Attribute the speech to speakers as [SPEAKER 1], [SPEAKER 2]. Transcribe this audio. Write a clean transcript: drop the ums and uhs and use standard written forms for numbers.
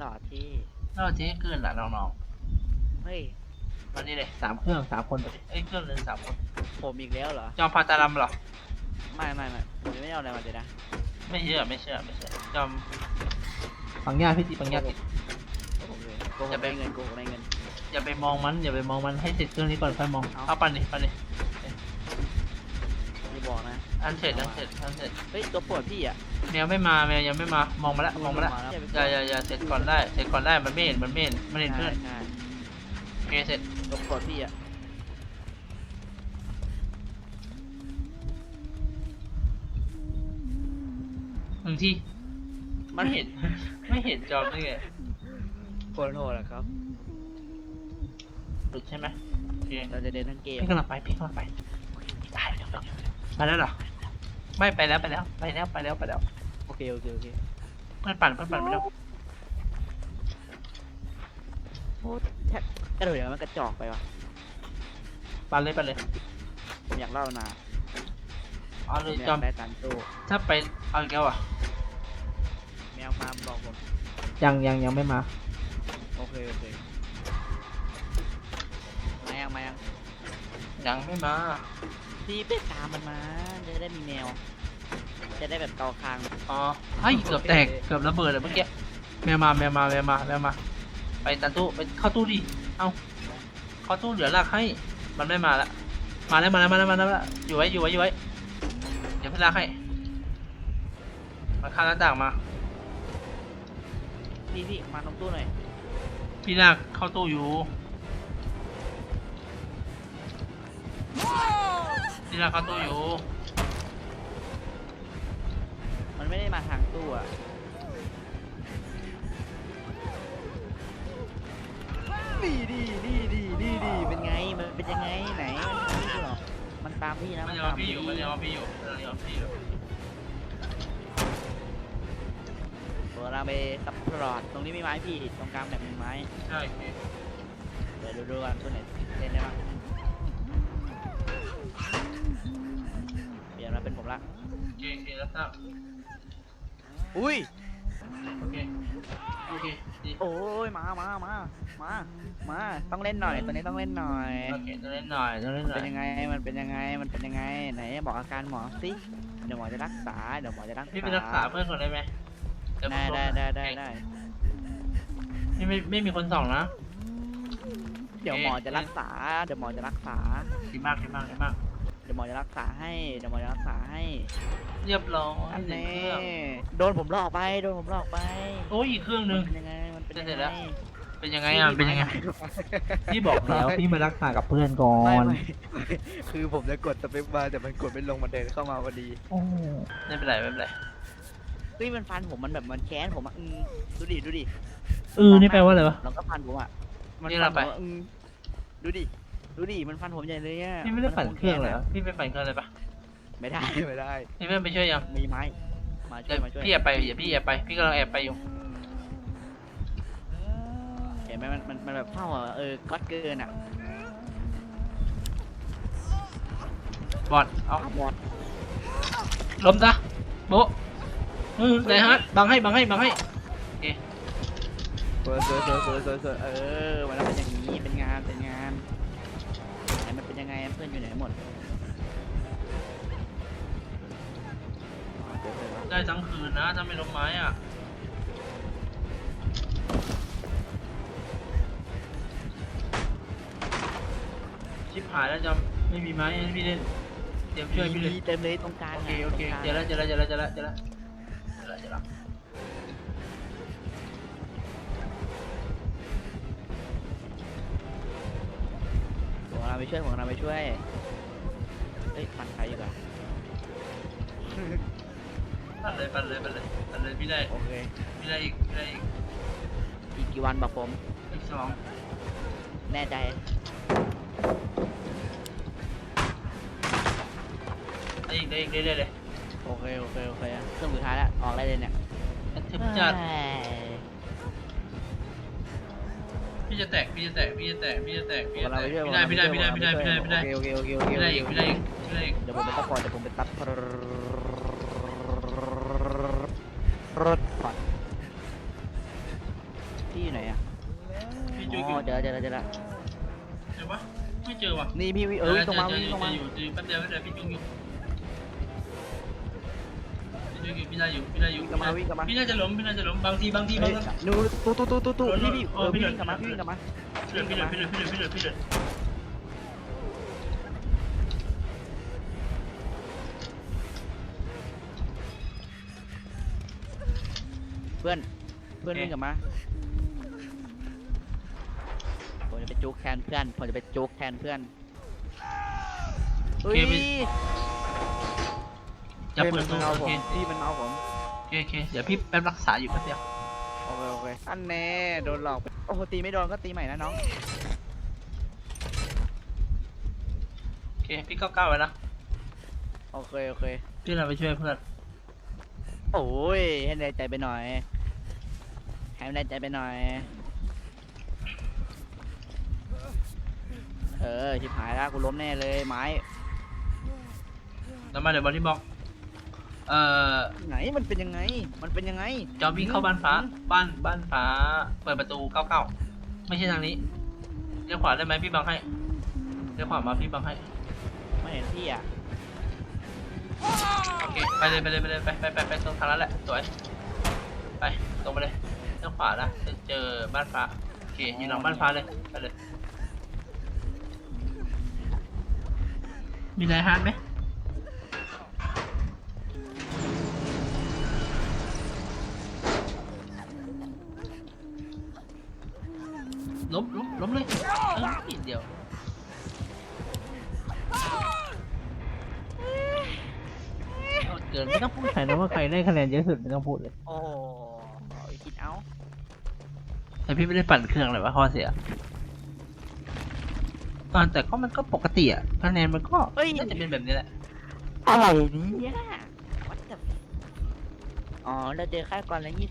[SPEAKER 1] ล่อที่
[SPEAKER 2] เราเจ๊เกินละน้อง
[SPEAKER 1] เฮ้ย
[SPEAKER 2] ๆวันนี้เลย3 เครื่อง3 คนไปดิเครื่องนึง3 คน
[SPEAKER 1] ผมอีกแล้วเหรอ
[SPEAKER 2] จอมพาตาลัมเหรอ
[SPEAKER 1] ไม่ผมยังไม่เอาอะไรมาเลยนะ
[SPEAKER 2] ไม่เชื่อจอมปังย่าพี่ติปังย่าติ
[SPEAKER 1] โกหกได้เงินโกหกได้เงิน
[SPEAKER 2] อย่าไปมองมันให้เสร็จเครื่องนี้ก่อนค่อยมองเอาปั่นดิ
[SPEAKER 1] อย่าบอกนะ
[SPEAKER 2] อันเสร็จ
[SPEAKER 1] เฮ้ยตัวปวดพี่อ่ะ
[SPEAKER 2] แมวยังไม่มามองมาแล้วอย่าเสร็จก่อนได้มันไม่เห็นเพื่อนโอเคเสร็จ
[SPEAKER 1] ตัวปวดพี่อ่ะ
[SPEAKER 2] 1 ทีมันเห็นไม่เห็นจอมได้ไง
[SPEAKER 1] โคตรโหดอะครับ
[SPEAKER 2] หลุดใช่ไหมโอเค
[SPEAKER 1] เราจะเดินทั้งเกม
[SPEAKER 2] พี่กำลังไปได้ไปแล้วเหรอไม่ไปแล้ว
[SPEAKER 1] โอเค
[SPEAKER 2] เพื่อนปั่นไปแล้ว
[SPEAKER 1] โอ้แท็กกระโดดอย่างมันกระจอกไปวะ
[SPEAKER 2] ปั่นเลย
[SPEAKER 1] ผมอยากเล่านะ
[SPEAKER 2] เอาเลยจอม
[SPEAKER 1] ได้ตันตู้
[SPEAKER 2] ถ้าไปเอาอีกแล้วอ่ะ
[SPEAKER 1] แมวมาบอกผม
[SPEAKER 2] ยังไม่มา
[SPEAKER 1] โอเคมา
[SPEAKER 2] ยังไม่มา
[SPEAKER 1] พี่ไปตามมันมาจะได้มีแมวจะได้แบบเกาคาง
[SPEAKER 2] อ๋อให้เกือบแตกเกือบระเบิดเลยเมื่อกี้แมวมาไปตันตู้ไปเข้าตู้ดิเอาเข้าตู้เหลือลากให้มันไม่มาละมาแล้วอยู่ไว้เดี๋ยวพี่ลากให้มาข้ามหน้าต่างมา
[SPEAKER 1] พี่มาตรงตู้หน่อย
[SPEAKER 2] พี่ลากเข้าตู้อยู่
[SPEAKER 1] มันไม่ได้มาทางตู้อ่ะดีเป็นไงมันเป็นยังไงไหนมันตามพี่นะ
[SPEAKER 2] มันยอมพี่อยู่
[SPEAKER 1] เราไปซับพลอตตรงนี้มีไม้พี่ตรงกลางแบบมีไม้
[SPEAKER 2] ใช่
[SPEAKER 1] เดี๋ยวดูกันตัวไหนเล่นได้บ้างเปลี่ยนมาเป็นผมละ
[SPEAKER 2] โอเคแล้วทราบ
[SPEAKER 1] อุ้ย
[SPEAKER 2] โอเคดี
[SPEAKER 1] โอ้ยมาต้องเล่นหน่อยตัวนี้ต้องเล่นหน่อย
[SPEAKER 2] โอเคต้องเล่นหน่อย
[SPEAKER 1] เป็นยังไงมันเป็นยังไงไหนบอกอาการหมอสิเดี๋ยวหมอจะรักษา
[SPEAKER 2] พี่ไปรักษาเพื่อนก่อนได้ไหม
[SPEAKER 1] ได้
[SPEAKER 2] ไม่มีคนส่องนะ
[SPEAKER 1] เดี๋ยวหมอจะรักษา
[SPEAKER 2] ดีมาก
[SPEAKER 1] เดี๋ยวหมอจะรักษาให้
[SPEAKER 2] เรียบร้อย
[SPEAKER 1] อันนี้โดนผมหลอกไป
[SPEAKER 2] โอ้ยอีกเครื่องนึง
[SPEAKER 1] ยังไงมันเป็นยังไง
[SPEAKER 2] เป็นยังไงพี่บอกแล้วพี่มารักษากับเพื่อนก่อน
[SPEAKER 1] คือผมจะกดสเปคบาร์แต่มันกดไม่ลงมันเดินเข้ามาพอดี
[SPEAKER 2] ไม่เป็นไร
[SPEAKER 1] มันฟันผมมันแบบมันแค้นผมอ่ะดูดิ
[SPEAKER 2] นี่แปลว่าอะไรวะ
[SPEAKER 1] เราก็ฟันผมอ่ะ
[SPEAKER 2] มันฟันผม
[SPEAKER 1] ดูดิมันฟันผมใหญ่เลยอ่ะ
[SPEAKER 2] พี่ไม่ได้ปั่นเครื่องเลยพี่ไปปั่นเครื่องเลยปะ
[SPEAKER 1] ไม่ได้พี่เ
[SPEAKER 2] พื่อนไปช่วยยัง
[SPEAKER 1] มีไม้มาช่วย
[SPEAKER 2] พี่แอบไปพี่กำลังแอบไปอยู่
[SPEAKER 1] เห็นไหมมันแบบเท่าก๊อตเกินอ่ะ
[SPEAKER 2] บอดเอา
[SPEAKER 1] บอด
[SPEAKER 2] ล้มซะโบ๊ะไหนฮะบังให้โอเค
[SPEAKER 1] สวยมันเป็นอย่างนี้เป็นงานไหนมันเป็นยังไงเพื่อนอยู่ไหนหมด
[SPEAKER 2] ได้ทั้งคืนนะถ้าไม่ล้มไม้อ่ะชิบหายแล้วจำไม่มีไม้พี่เล่นเตรียมช่วยพี่เลย
[SPEAKER 1] เต็มเลยตรงกลาง
[SPEAKER 2] โอเคเจอแล้ว
[SPEAKER 1] เราไปช่วยเฮ้ยปั่นใครอยู่กัน
[SPEAKER 2] ปั่นเลยพี่ได้
[SPEAKER 1] โอเค
[SPEAKER 2] พี่ได้อีก
[SPEAKER 1] กี่วันบอกผม
[SPEAKER 2] อีก2
[SPEAKER 1] แน่ใจ
[SPEAKER 2] ได้อีกเลย
[SPEAKER 1] โอเคเครื่องสุดท้ายแล้วออกได้เลยเนี่ย
[SPEAKER 2] ถึงจัดพี่จะแตกพี่ได้พี่ได้อีก
[SPEAKER 1] เดี๋ยวผมไปตัดพอรถพอพี่อยู่ไหนอ่ะ
[SPEAKER 2] พี่จุ
[SPEAKER 1] อ๋
[SPEAKER 2] ยอยู่
[SPEAKER 1] อเดี๋ยว
[SPEAKER 2] เจอปะไม่เจอว่ะ
[SPEAKER 1] นี่พี่วิ่งวิ่งตรงมา
[SPEAKER 2] เจอ
[SPEAKER 1] วิ่งตรงมา
[SPEAKER 2] อยู่แป๊บเดียวพี่จุยอยู่พี่ได้อยู่พี่
[SPEAKER 1] วิ่งกลับมาวิ่งกลับมา
[SPEAKER 2] พี่น่าจะล้มบางที
[SPEAKER 1] เฮ้ยหนูตู้พี่พี่วิ่งกลับมาพี่วิ่งกลับมา
[SPEAKER 2] พี่เดือด
[SPEAKER 1] เพื่อนวิ่งกลับมาผมจะไปจุกแทนเพื่อนเฮ้ย
[SPEAKER 2] จะเปิด
[SPEAKER 1] มัน
[SPEAKER 2] ตัว
[SPEAKER 1] เอา
[SPEAKER 2] โอ
[SPEAKER 1] ผม
[SPEAKER 2] เค
[SPEAKER 1] พี่มันเอาผม
[SPEAKER 2] โอเคเดี๋ยวพี่แป๊บรักษาอยู่แป๊บเดียว
[SPEAKER 1] โอเคอันแน่โดนหลอกโอ้โหตีไม่โดนก็ตีใหม่นะน้อง
[SPEAKER 2] โอเคพี่ก้าวไว้นะ
[SPEAKER 1] โอเค
[SPEAKER 2] พี่เราไปช่วยเพื่อน
[SPEAKER 1] โอ้ยให้ได้ใจไปหน่อยชิบหายแล้วกูล้มแน่เลยไม้
[SPEAKER 2] แล้วมาเดี๋ยวบอดี้บล็อก
[SPEAKER 1] ไหนมันเป็นยังไง
[SPEAKER 2] จอมวิ่งเข้าบ้านฟ้าบ้านฟ้าเปิดประตู99ไม่ใช่ทางนี้เลี้ยวขวาได้ไหมพี่บังให้เลี้ยวขวามาพี่บังให้
[SPEAKER 1] ไม่เห็นพี่อ่ะ
[SPEAKER 2] โอเคไปเลยไปตรงทางนั้นแหละสวยไปตรงไปเลยเลี้ยวขวานะจะเจอบ้านฟ้าโอเคอยู่หลังบ้านฟ้าเลยไปเลยมีไรฮาร์ดไหมล้มเลยนิดเดียวเกินไม่ต้องพูดใครนะว่าใครได้คะแนนเยอะสุดไม่ต้องพูดเลย
[SPEAKER 1] โอ้ยคิดเอา
[SPEAKER 2] แต่พี่ไม่ได้ปั่นเครื่องเลยว่าข้อเสียแต่ก็มันก็ปกติอ่ะคะแนนมันก็น่าจะเป็นแบบนี้แหละ
[SPEAKER 1] อะไรเนี่ยวัดกับอ๋อเราเจอค่าก่อนแล้ว